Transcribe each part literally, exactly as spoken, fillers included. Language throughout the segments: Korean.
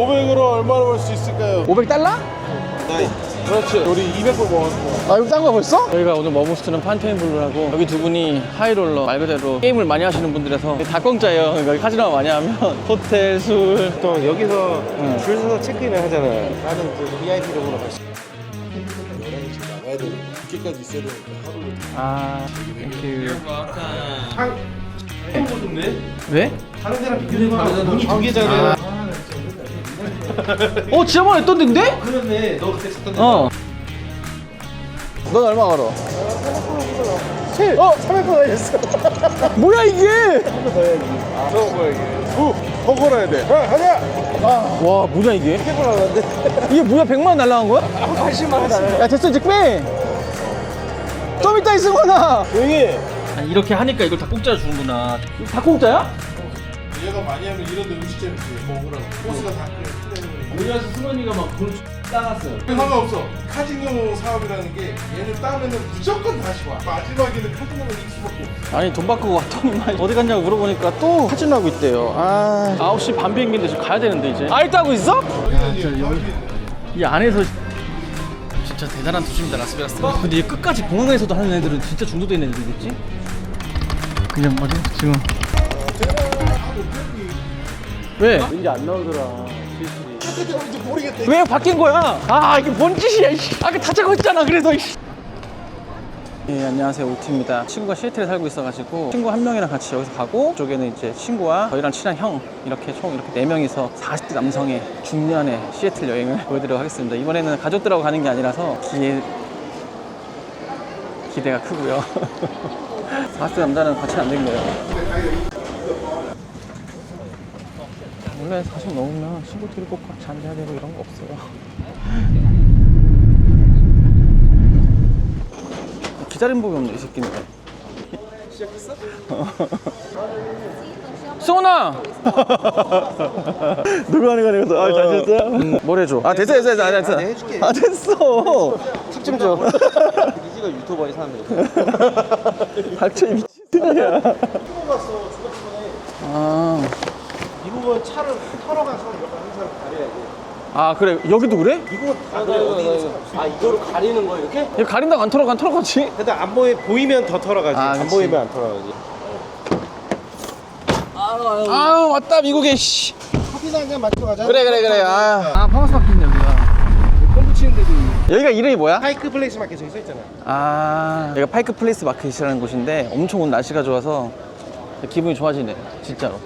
오백으로 얼마나 벌 수 있을까요? 오백 달러? 네. 그렇지. 우리 이백 불 모았어. 아, 이거 딴 거 벌써? 저희가 오늘 머무스트는 판테인블루라고, 여기 두 분이 하이롤러 말 그대로 게임을 많이 하시는 분들에서 다 공짜예요. 그러니까 카지노 많이 하면 호텔, 술. 또 여기서 응. 줄 서서 체크인을 하잖아요. 나는 그 브이아이피룸으로 갈 수. 열한 시 나가야 되니까 늦게까지 있어야 되니까 하루를. 아, 땡큐. 한 네? 왜? 다른 데랑 비교해봐. 문이 두 개잖아. 어, 지난번에 했던 데인데? 그렇네. 너 그때 샀던 데. 어. 넌 얼마 걸어? 칠. 어? 삼백 원 하셨어. 뭐야 이게? 아, 저거 뭐야 이게? 후! 더 걸어야 돼. 아, 가자. 와, 뭐야 이게? 백 원 나왔는데. 이게 뭐야, 백만 원 날라간 거야? 팔십만 원 나와요. 야, 됐어, 이제 빼! 좀 이따 있으거나! 여기. 아니, 이렇게 하니까 이걸 다 공짜로 주는구나. 이거 다 공짜야? 얘가 많이 하면 이런 데 음식점이 먹으라고. 코스가 다 그래. 우리나라에서 승원이가 막 돈 따갔어요. 상관없어. 카지노 사업이라는 게 얘는 따면은 무조건 다시 와. 마지막에는 카지노가 이길 수밖에 없어. 아니, 돈 받고 왔더니만 어디 갔냐고 물어보니까 또 카지노 하고 있대요. 아, 아홉 시 반 비행기인데 지금 가야 되는데 이제. 아직도 하고 있어? 이 안에서 진짜 대단한 도시입니다, 라스베가스. 근데 이 끝까지 공항에서도 하는 애들은 진짜 중독돼 있는 애들이겠지? 그냥 어디 지금 왜? 이제 안 나오더라. 왜 바뀐 거야? 아, 이게 뭔 짓이야, 이씨. 아까 다 적고 있잖아, 그래도, 이씨. 예, 안녕하세요, 오티입니다. 친구가 시애틀에 살고 있어가지고 친구 한 명이랑 같이 여기서 가고, 이쪽에는 이제 친구와 저희랑 친한 형, 이렇게 총 이렇게 네 명이서 사십 대 남성의 중년의 시애틀 여행을 보여드리도록 하겠습니다. 이번에는 가족들하고 가는 게 아니라서 기대 기대가 크고요. 사십 대 남자는 같이 안 된 거예요. 원래 사십 넘으면 친구들이 꼭 같이 앉아야 되고 이런 거 없어요. 기다림 법이 없네, 이 새끼는. 시작했어? 수원아! 누구 하는 거냐, 그래서. 아, 잘 됐어요? 음, 뭘 해줘? 아, 됐어, 됐어, 됐어. 아, 됐어. 내가 해줄게. 아, 됐어. 팁 좀 줘. 이지가 유튜버에 사람들. 닥쳐, 이 미친놈이야. 아. 이 부분 차를 털어가서 항상 가려야 돼. 아, 그래. 여기도 그래? 이거 다 그래 어디? 아 이거를 가리는 거 이렇게? 이거 가린다고 안 털어가, 안 털어가지? 근데 안 보이 보이면 더 털어가지. 아, 안 그치. 보이면 안 털어가지. 아, 왔다, 미국에, 씨. 커피나 한잔 마시러 가자. 그래, 그래, 그래. 아, 아 파마스 마켓이네, 여기가. pomp 붙이는 데도 있고. 여기가 이름이 뭐야? 파이크 플레이스 마켓 저기 써 있잖아. 아, 여기가 파이크 플레이스 마켓이라는 곳인데 엄청 오늘 날씨가 좋아서 기분이 좋아지네, 진짜로.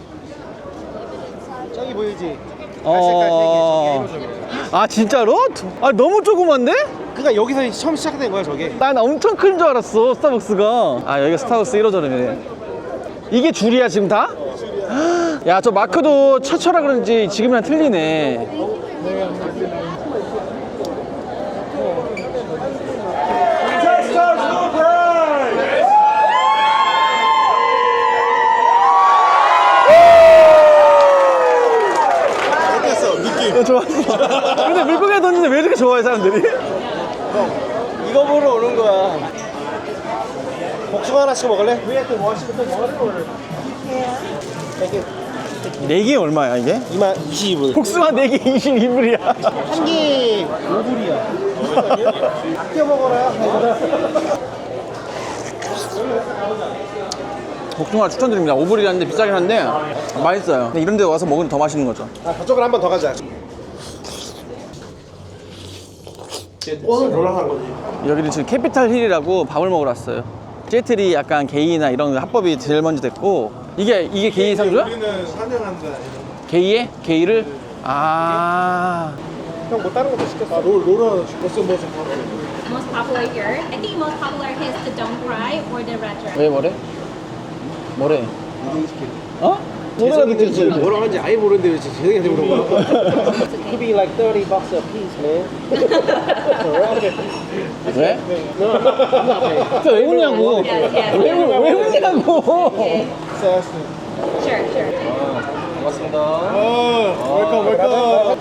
저기 보이지? 어. 갈색깔 색이 저게 아, 진짜로? 아, 너무 조그만데? 그러니까 여기서 처음 시작된 거야 저게. 난 엄청 큰 줄 알았어, 스타벅스가. 아, 여기가 스타벅스 일 호점이네. 이게 줄이야, 지금 다? 야, 저 마크도 최초라 그런지 지금이랑 틀리네. 어땠어? 느낌? 어, 좋았어. 근데 미국에 뒀는데 왜 이렇게 좋아해, 사람들이? 이거 보러 오는 거야. 복숭아 하나씩 먹을래? 위에 또 뭐하시부터 먹을래? 네 개 얼마야, 이게? 이만 이십이 불. 복숭아 네 개 이십이 불이야. 한 개 오 불이야. 아껴 먹어라. 복숭아 추천드립니다. 오 불이라는데 비싸긴 한데 맛있어요. 근데 이런 데 와서 먹으면 더 맛있는 거죠. 아, 저쪽으로 한 번 더 가자. 오늘 올라간 거지. 여기는 지금 캐피탈 힐이라고 밥을 먹으러 왔어요. 시애틀이 약간 게이나 이런 합법이 제일 먼저 됐고, 이게 이게 게이 상조야? 우리는 사냥한다. 게이에? 게이를? 아, 형 뭐 다른 것도 시켰어? 아, 롤, 롤은 벌써 뭐서 바로. Most popular here. I think most popular is the Don't Cry or the Red Dress. 왜 뭐래? 뭐래? 어? 노래가 느껴지. 뭐라고 하는지 아예 모르는데 왜 재생이한테 물어봐. Could be like thirty bucks a piece, man. 왜? 진짜 왜 웃냐고? Yes, yes. 왜, 우- 왜 웃냐고? Sure, sure. 고맙습니다. 어, 웰컴, 웰컴.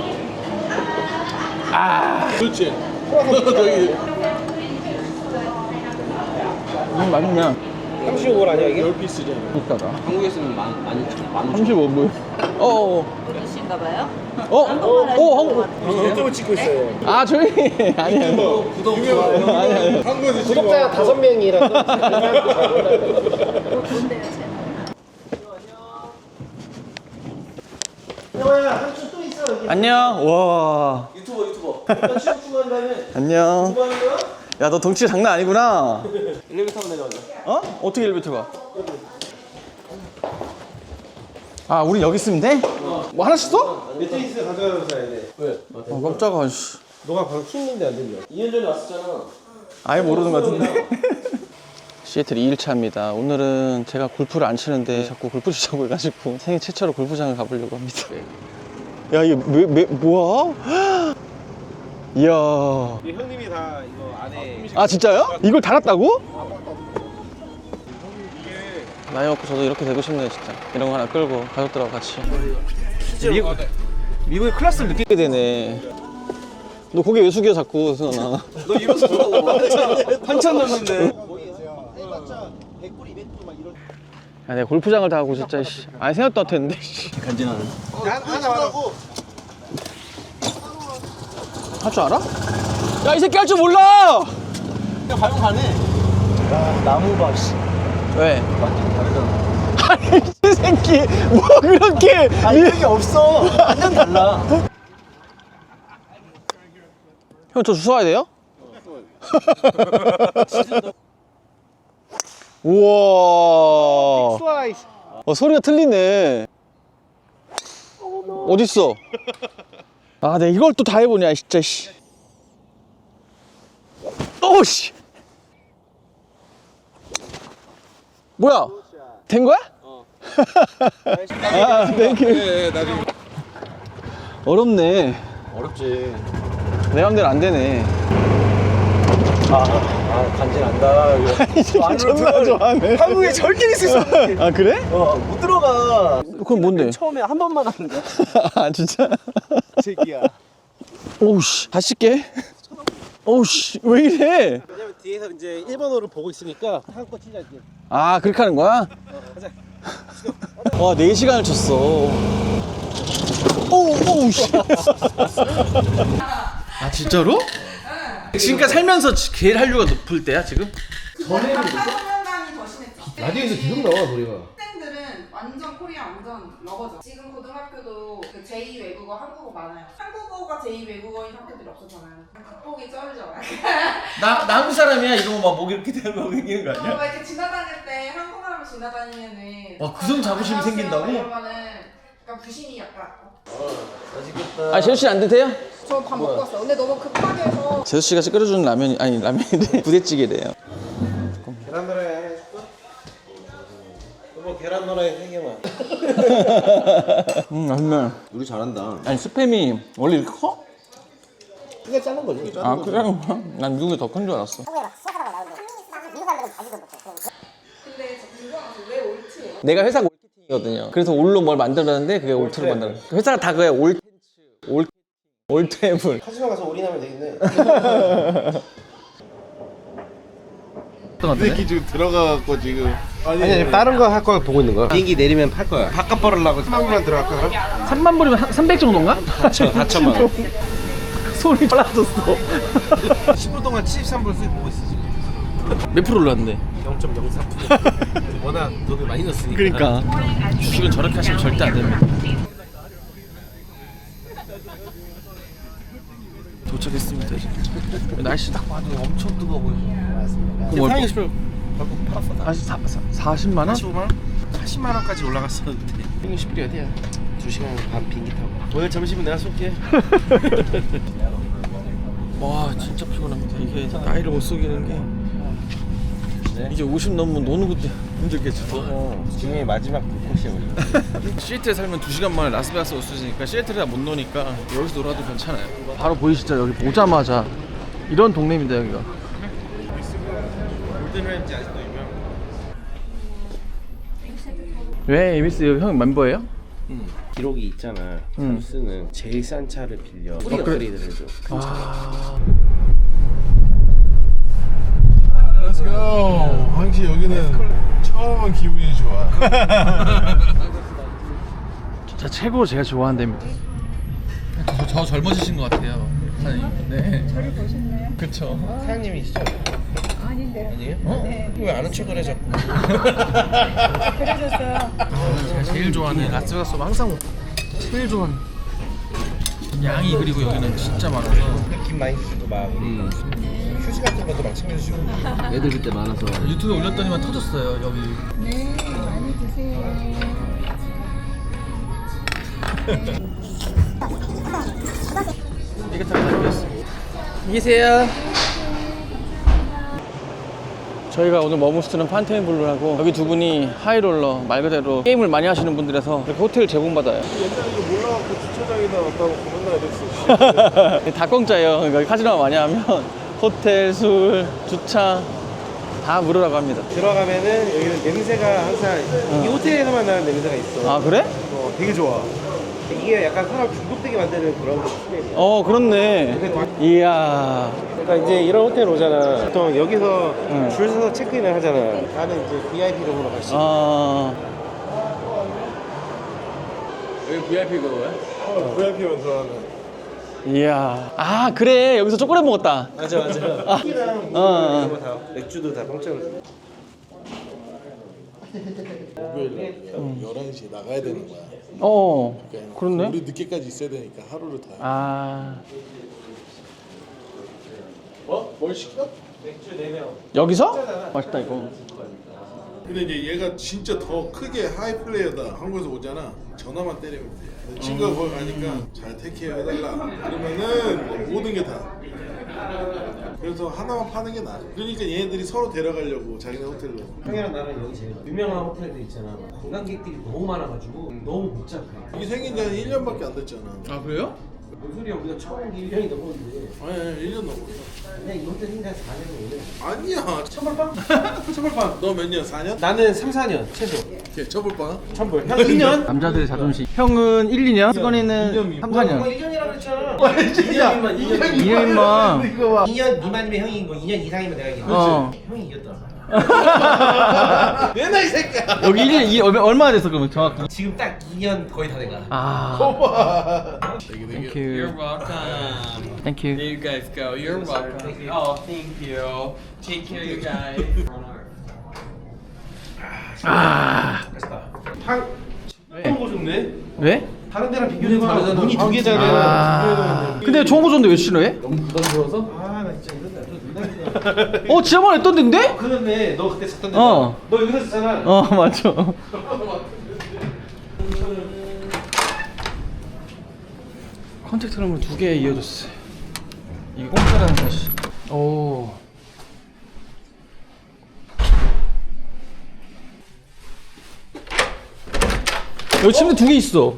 아, 그렇지. 저기 음, 맛있네. 삼십오 불 아니야 이게? 열 피스잖아. 비싸다. 한국에서는 만, 만, 만 삼십오 불. 어어. 아닌가 봐요. 어? 어? 한국 유튜브 찍고 있어요. 아 조용히 아니에요. 구독 좋아요. 아니 아니. 한국에서 구독자가 다섯 명이라서. 뭔데요, 채널? 형아야 한수 또 있어 여기. 안녕. 와. 유튜버 유튜버. 나 취업 중한 다음에 안녕. 뭐 하는 거야? 야 너 덩치 장난 아니구나. 엘리베이터 타고 내려가자. 어? 어떻게 엘리베이터 가? 아 우리 여기 있으면 돼? 뭐 하나씩 써? 매트리스 가져가서 사야 돼. 왜? 어 깜짝아. 씨. 너가 방금 킹인데 안 된다. 이 년 전에 왔었잖아. 아예 모르는 것 같은데. 시애틀 이 일차입니다. 오늘은 제가 골프를 안 치는데 자꾸 골프 치자고 해가지고 생애 최초로 골프장을 가보려고 합니다. 야 이게 왜, 왜, 뭐야? 이야. 형님이 다 이거 안에. 아 진짜요? 이걸 달았다고? 나이 먹고 저도 이렇게 되고 싶네요 진짜. 이런 거 하나 끌고 가족들하고 같이 미국, 미국의 클래스를 느끼게 되네. 너 고개 왜 숙여 자꾸 승환아. 너 이러서 한참 한참 넘는데. 야 내가 골프장을 다 하고 진짜 씨. 아니 생각도 안 했는데 간지나는. 하나 하라고. 할 줄 알아? 야 이 새끼 할 줄 몰라! 그냥 가면 가네. 야 나무 봐 씨. 왜? 완전 다르잖아. 아니 이 새끼 뭐 그렇게 아 이런 게 없어. 완전 달라. 형 저 주워야 돼요? 우와. 어 소리가 틀리네. 어딨어? 아 내가 이걸 또 다 해보냐 진짜 씨. 오씨. 뭐야? 된 거야? 어. 아 땡큐. 네, 나중에 어렵네. 어렵지. 내 맘대로 안 되네. 아, 아 간지난다. 이 새끼 존나 좋아하네. 한국에 절대 있을 수 없는. 아 그래? 어, 못 들어가. 그건 뭔데? 처음에 한 번만 하는 거야. 아 진짜? 새끼야. 오우씨 다시 씻게. 오우씨 왜 이래? 왜냐면 뒤에서 이제 일본어를 보고 있으니까 한국 치자 이제. 아 그렇게 하는 거야? 와 네 시간을 쳤어. 오우 오우씨. 아 진짜로? 지금까지 살면서 제일 한류가 높을 때야 지금? 학사소년단이 더 심했죠. 라디오에서 계속 나와 노래가. 학생들은 완전 코리아 완전 러버죠. 지금 고등학교도 그 제이 외국어, 한국어 많아요. 한국어가 제이 외국어인 학교들이 없었잖아요. 극복이 쩔죠. 나, 나 한국 사람이야 이러고 막 목 이렇게 대고 생기는 거 아니야? 막 이렇게 지나다닐 때 한국 사람 지나다니면은 와, 그 정도 자부심이 안녕하세요 생긴다고? 이러면은 약간 부심이 약간 아 제수 씨는 안 드세요? 저 밥 먹고 왔어요. 근데 너무 급하게 해서 제수 씨가 끓여주는 라면이 아니 라면인데 부대찌개래요. 계란 노래 해줄까? 여보 계란 노래 세 개만. 음 맛있네. 우리 잘한다. 아니 스팸이 원래 이렇게 커? 크게 자른 거지. 아 그래? 난 미국이 더 큰 줄 알았어. 근데 저 궁금한 게 왜 올트예요? 내가 회사가 올케팅이거든요. 그래서 올로 뭘 만들었는데 그게 올트로 만들어. 회사가 다 그래 올 올 올트애블. 카지노 가서 올인하면 되겠네. 이 새끼 지금 들어가갖고 지금 아니, 아니 다른 거 할 거 보고 있는 거야. 비행기 내리면 팔 거야. 바깥 벌으려고 삼만 불만 들어갈까 그럼? 삼만 불이면 한 삼백 정도인가? 다천 다천만 원. 소리 빨라졌어. 십 분 동안 칠십삼 불 수익 보고 있어 지금. 몇 프로 올랐는데? 영 점 영삼. 워낙 돈을 많이 넣었으니까. 그러니까 주식은 저렇게 하시면 절대 안 됩니다. 도착했습니다 이제. 날씨 딱 봐도 엄청 뜨거워 보여서. 맞습니다. 그럼 타이밍 얼마- 스프레 결국 팔았어. 다. 아, 사, 사, 사십만 원? 사십오만 원? 사십만 원까지 올라갔었는데. 타이밍 스프레 어디야? 두 시간 반 비행기 타고. 오늘 점심은 내가 쏠게. 와 진짜 피곤합니다. 이게 나이를 못 속이는 게 이제 오십 넘으면 노는 것도 힘들겠죠. 어, 지금이 마지막 곳이야 우리. 시애틀에 살면 두 시간 만에 라스베가스 올 수 있으니까 시애틀에 못 노니까 여기서 놀아도 괜찮아요. 바로 보이시죠? 여기 보자마자 이런 동네입니다 여기가. 골든렌즈 아직도 유명. 왜 에비스 형 멤버예요? 응. 기록이 있잖아. 음. 선수는 제일 싼 차를 빌려 우리 업그레이드를 해줘. 큰 차. 아... Let's go. 확실히 여기는 처음은 기분이 좋아. 자, 최고 제가 좋아하는 데입니다. 저, 저 젊어지신 것 같아요, 사장님. 네. 저를 보셨나요? 그쵸. 사장님이시죠? 아닌데. 아니에요? 어? 네. 왜 안 훔쳐그래 자꾸? 그러셨어요. 아, 제가 제일 좋아하는 라스베가스 항상 제일 좋아하는 양이, 그리고 여기는 진짜 많아서 느낌 많이 주시고 막 음. 휴지 같은 것도 막 챙겨주시고. 애들 그때 많아서 유튜브에 올렸더니만 터졌어요 여기. 네, 많이 드세요. 이게 다 가져왔어. 이기세요. 저희가 오늘 머무스트는 판테인블루라고, 여기 두 분이 하이롤러 말 그대로 게임을 많이 하시는 분들에서 이렇게 호텔 제공받아요. 옛날에 이거 몰라갖고 주차장에다 놨다고 맨날 이랬어. 다 공짜예요. 그러니까 카지노 많이 하면 호텔, 술, 주차 다 무료라고 합니다. 들어가면은 여기는 냄새가 항상 이 호텔에서만 나는 냄새가 있어. 아, 그래? 어, 되게 좋아. 이게 약간 사람 중독되게 만드는 그런 스타일이야. 어, 그렇네. 이야. 그러니까 이제 이런 호텔 오잖아. 보통 여기서 응. 줄 서서 체크인을 하잖아. 나는 이제 브이아이피룸으로 갈 수 있어. 아. 여기 브이아이피 그거야? 어, 브이아이피만 들어가는. 이야. 아, 그래. 여기서 초콜릿 먹었다. 맞아 맞아. 아. 커피랑 어, 어. 이런 거 다, 맥주도 다 공짜로 줘. 목요일 날 열한 시에 나가야 되는 거야. 어. 그러니까 그렇네. 우리 늦게까지 있어야 되니까 하루를 다. 아. 어? 뭘 시켜? 맥주 네 명. 여기서? 맛있다, 이거. 근데 이제 얘가 진짜 더 크게 하이 플레이어다. 한국에서 오잖아. 전화만 때리면 돼. 근데 친구가 거기 가니까 잘 테이크해야 해달라. 그러면은 모든 게 다. 그래서 하나만 파는 게 나아. 그러니까 얘네들이 서로 데려가려고 자기네 호텔로. 형이랑 나는 여기 제일 유명한 호텔들 있잖아. 관광객들이 너무 많아가지고 너무 복잡해. 이게 생긴 지 한 일 년밖에 안 됐잖아. 아, 그래요? 뭔 소리야? 우리가 처음 온 게 일 년이 넘었는데 아니, 아니 일 년 넘었어. 그냥 이 호텔 생긴 지 사 년이 오래. 아니야. 천벌빵? 천벌빵. 너 몇 년? 사 년? 나는 삼, 사 년 최소. 걔 처벌빵? 천벌. 형 이 년? 남자들의 자존심. 형은 일, 이 년, 수건이는 삼, 사 어, 년. 일 년이라고 했잖아. 이 년 미만, 이 년 이 년만. 이거 봐. 이 년 미만이면 형이 이기고 이 년 이상이면 내가 이기고. 어. 형이 이겼다. 얘나 이 새끼야. 여기 일 년, 이, 얼마- 얼마나 됐어, 그러면 정확히? 지금 딱 이 년 거의 다 돼가. 아. 봐봐. 되게 되게. Thank you. You're welcome. Thank you. There you guys go. You're welcome. Oh, thank you. Take care, you guys. 아. 탕. 좋은 거 좋네. 왜? 다른 데랑 비교해봐. 문이 두 개잖아. 아. 근데 좋은 거 줬는데 왜 싫어해? 아, 나 진짜 이런 날또 누나가. 어, 지난번에 했던 데인데? 그렇네. 너 그때 샀던 데. 어. 너 여기서 샀잖아. 어, 맞죠. 컨택트룸을 두 개 이어줬어. 이게 공짜라는 것이. 오. 여기 침대 두 개 있어.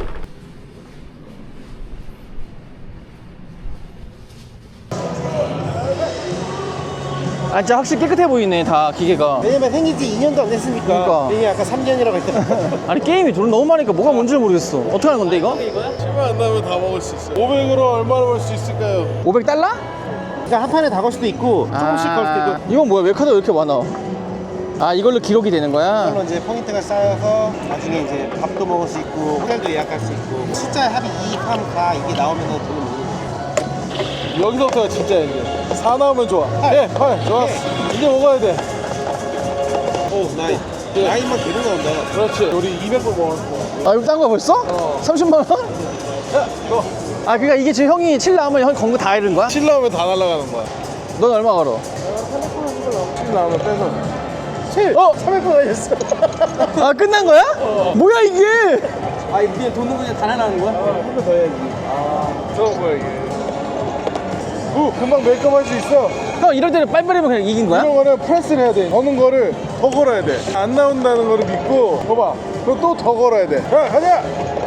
아, 진짜 확실히 깨끗해 보이네, 다 기계가. 왜냐면 생긴 지 이 년도 안 됐으니까. 그러니까. 이게 아까 삼 년이라고 했잖아. 아니, 게임이 돈 너무 많으니까 뭐가 뭔지 모르겠어. 어떻게 하는 건데, 이거? 치마 안 나면 다 먹을 수 있어. 오백으로 얼마나 벌 수 있을까요? 오백 달러? 그러니까 한 판에 다 걸 수도 있고 조금씩 걸 수도 있고. 이건 뭐야? 왜 카드가 이렇게 많아? 아, 이걸로 기록이 되는 거야? 이걸로 이제 포인트가 쌓여서 나중에 이제 밥도 먹을 수 있고 호텔도 예약할 수 있고 숫자 합이 이, 삼, 사 이게 나오면 돈을 모으는 거야. 여기서부터가 진짜 이제 사 나오면 좋아. 예, 헐, 좋았어. 이제 먹어야 돼. 오 나이 나이만 계속 나온다. 그렇지. 우리 이백 불 먹었어. 아, 이거 딴 거야 벌써? 어. 삼십만 원? 야, 이거 아, 그니까 이게 지금 형이 칠 나오면 형이 건 거 다 잃은 거야? 칠 나오면 다 날아가는 거야. 넌 얼마 걸어? 칠 나오면 빼서. 칠! 어! 삼백 원 걸렸어. 아, 끝난 거야? 뭐야, 이게? 아, 이게 돈은 그냥 다 나가는 거야? 한 번 더 해야지. 아, 저거 뭐야 이게. 오, 금방 메이크업 할 수 있어. 형, 이럴 때는 빨리빨리면 그냥 이긴 거야? 이런 거는 프레스를 해야 돼. 거는 거를 더 걸어야 돼. 안 나온다는 거를 믿고, 봐봐. 그럼 또 더 걸어야 돼. 야, 가자!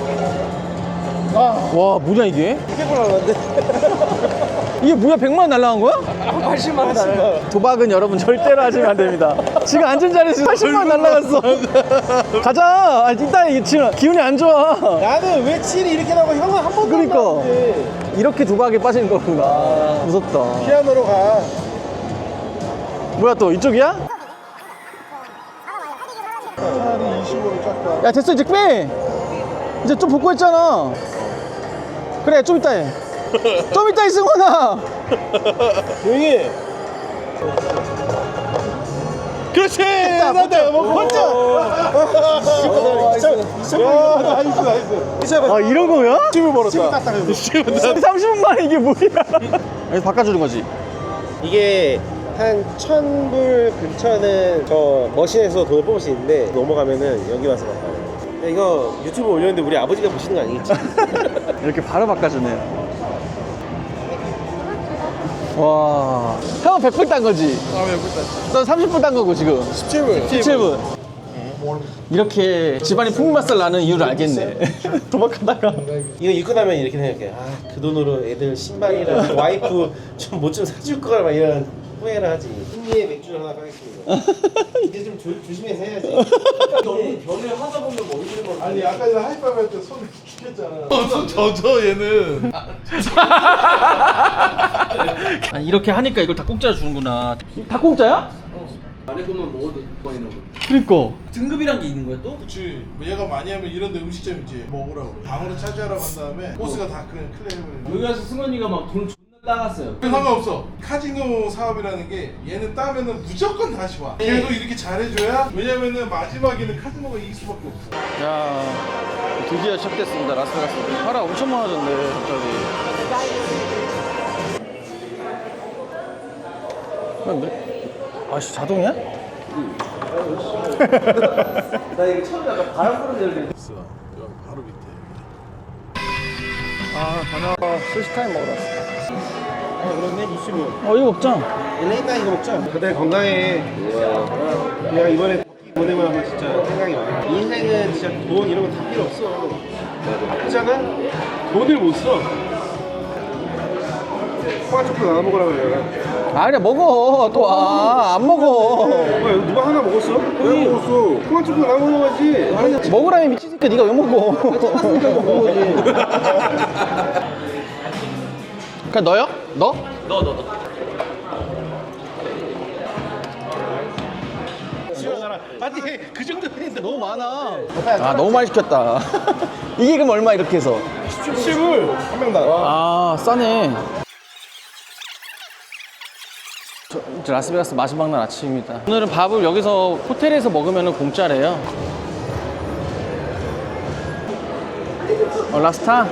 아, 와, 뭐냐, 이게? 이백 불 나왔는데? 이게 뭐야, 백만 원 날라간 거야? 팔십만 원 날라. 도박은 여러분 절대로 하시면 안 됩니다. 지금 앉은 자리에서 팔십만 원 날라갔어. 가자. 아, 이따 이게 지금 기운이 안 좋아. 나는 왜 칠이 이렇게 나오고 형은 한 번도 그러니까. 안 나오는데. 이렇게 도박에 빠지는 거구나. 무섭다. 피아노로 가. 뭐야, 또 이쪽이야? 차라리 이십오로 깎아. 야, 됐어, 이제 빼. 이제 좀 복구했잖아. 그래, 좀 이따 해. 좀 이따 해, 승원아. 조용히 해. 그렇지. 나한테 뭐 번쩍. 야, 나이스 나이스. 아, 이런 거야? 십을 벌었다. 십을 삼십 분 만에 이게 뭐야? 여기서 바꿔주는 거지. 이게 한 천 불 근처는 저 머신에서 돈을 뽑을 수 있는데 넘어가면은 여기 와서 바꿔요. 야, 이거 유튜브 올렸는데 우리 아버지가 보시는 거 아니겠지? 이렇게 바로 바꿔주네요. 와, 형은 백 불 딴 거지? 아, 왜 못했지? 넌 삼십 분 딴 거고 지금 십칠 분. 십칠 분. 이렇게 집안이 풍맛살 나는 이유를 알겠네. 도박하다가 이거 입고 나면 이렇게 생각해. 아, 그 돈으로 애들 신발이랑 와이프 좀 뭐 좀 사줄 거라 막 이런 후회를 하지. 승리의 맥주를 하나 가겠습니다. 이제 좀 조, 조심해서 해야지. 너무 변을 하다 보면 머리를 뭐 아니 아까 전에 하이파이브 할 때 손을 죽였잖아. 손 젖어 얘는. 아니, 이렇게 하니까 이걸 다 공짜로 주는구나. 다 공짜야? 안에 것만 먹어도 많이 나고. 그니까. 등급이란 게 있는 거야 또? 그치. 뭐 얘가 많이 하면 이런데 음식점 있지. 먹으라고. 방으로 차지하라고 한 다음에 보스가 다 그냥 클레임을. 여기 와서 승원이가 막 돈 존나 따갔어요. 상관없어. 카지노 사업이라는 게 얘는 따면은 무조건 다시 와. 계속 이렇게 잘해줘야. 왜냐면은 마지막에는 카지노가 이길 수밖에 없어. 야, 드디어 시작됐습니다. 라스베가스. 파라 엄청 많아졌네, 갑자기. 근데 아씨, 자동이야? 나 이거 처음에 약간 바람 부는 데를 있어. 여기 바로 밑에. 아, 다녀와. 스시타임 먹으러 왔어. 아, 그렇네. 이십오. 어, 이거 먹자. 레이나 이거 먹자. 그래 건강해. 내가 이번에 보내고 나면 진짜 생각이 많아. 인생은 진짜 돈 이런 거 다 필요 없어. 그렇잖아? 돈을 못 써. 포화초코 나눠 먹으라 그래. 아니야, 먹어. 또 와. 안 먹어. 뭐야, 누가 하나 먹었어? 왜 먹었어? 포화초코 나눠 먹어야지. 먹으라면 미치니까 네가 왜 먹어? 그냥 너요? 너? 너 너 너. 아니 그 정도 했는데 너무 많아. 아, 너무 많이 시켰다. 이게 그럼 얼마 이렇게 해서? 십을 한 명당. 아, 싸네. 저, 이제 라스베가스 마지막 날 아침입니다. 오늘은 밥을 여기서 호텔에서 먹으면 공짜래요. 어, 라스타?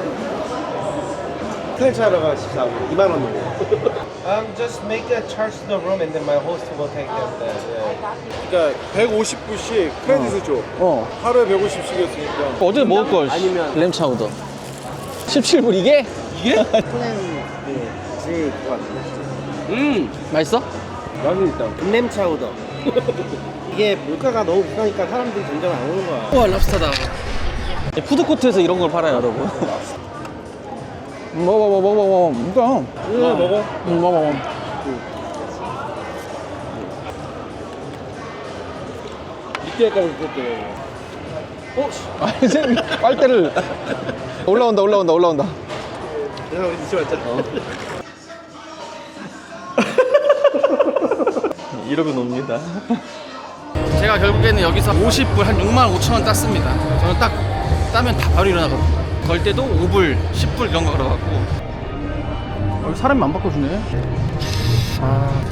플랜 차로가 십사 분, 이만 원 내고. Um, just make a charge to the room and then my host will take them there. Yeah. 그러니까 백오십 불씩 크레딧을 줘. 어. 하루에 백오십씩이었으니까. 어제 먹을 걸. 아니면 램차우더. 십칠 불 이게? 이게? 플랜 제일 그거 같은데. 음, 맛있어? 여기 일단 램 차우더. 이게 물가가 너무 비싸니까 사람들이 점점 안 오는 거야. 우와, 랍스타다. 푸드코트에서 이런 걸 팔아요, 여러분. 먹어, 먹어, 먹어, 먹어. 이거. 이거 먹어. 응, 먹어, 먹어. 이때까지 그것도. 어? 아, 이제 빨대를. 올라온다, 올라온다, 올라온다. 내가 우리 늦지 말자. 이러고 놉니다. 제가 결국에는 여기서 오십 불, 한 육만 오천 원 땄습니다. 저는 딱 따면 다 바로 일어나거든요. 걸 때도 오 불, 십 불 이런 거 걸어갖고. 여기 사람이 안 바꿔주네. 아.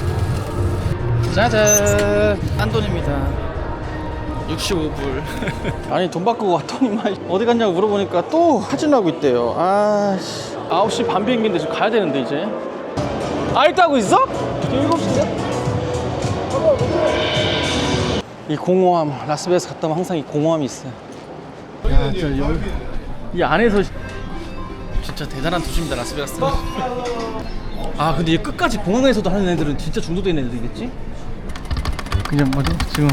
짜잔! 딴 돈입니다. 육십오 불. 아니, 돈 바꾸고 왔더니만 어디 갔냐고 물어보니까 또 카지노 하고 있대요. 아, 씨. 아홉 시 반 비행기인데 지금 가야 되는데, 이제. 아직도 하고 있어? 일곱 시인데? 이 공허함, 라스베가스 갔다 오면 항상 이 공허함이 있어요. 야, 진짜 여기, 이 안에서 진짜 대단한 도시입니다, 라스베가스. 아, 근데 이 끝까지 공항에서도 하는 애들은 진짜 중독된 애들이겠지? 그냥 뭐죠? 지금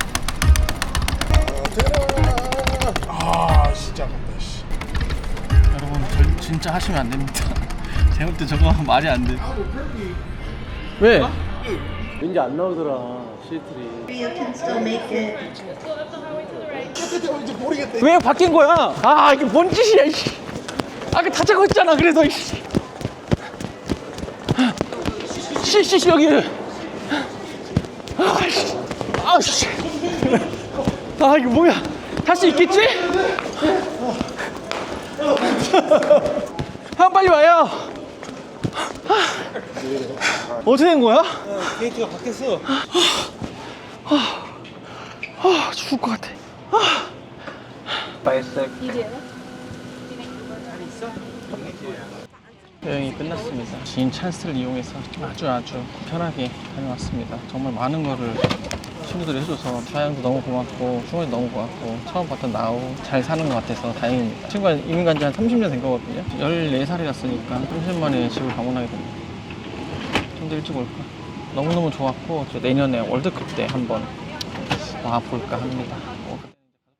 아 진짜 아깝다. 씨. 여러분, 절 진짜 하시면 안 됩니다. 제가 볼 때 저거 말이 안 돼. 왜? 왠지 안 나오더라 시트리. 왜 바뀐 거야? 아, 이게 뭔 짓이야, 이씨. 아까 다 짜고 있잖아, 그래서, 이씨. 씨, 씨, 씨, 여기. 아, 씨. 아, 씨. 아, 이거 뭐야. 할 수 있겠지? 형 빨리 와요. 어떻게 된 거야? 게이트가 바뀌었어. 아, 죽을 것 같아. 아. 여행이 끝났습니다. 긴 찬스를 이용해서 아주 아주 편하게 다녀왔습니다. 정말 많은 거를 친구들이 해줘서 사양도 너무 고맙고 충원이 너무 고맙고 처음 봤던 나우 잘 사는 것 같아서 다행입니다. 친구가 이민 간 지 한 삼십 년 된 거거든요. 열네 살이랐으니까 삼십 년 만에 집을 방문하게 됩니다. 좀 더 일찍 올까? 너무너무 좋았고 저 내년에 월드컵 때 한번 와볼까 합니다.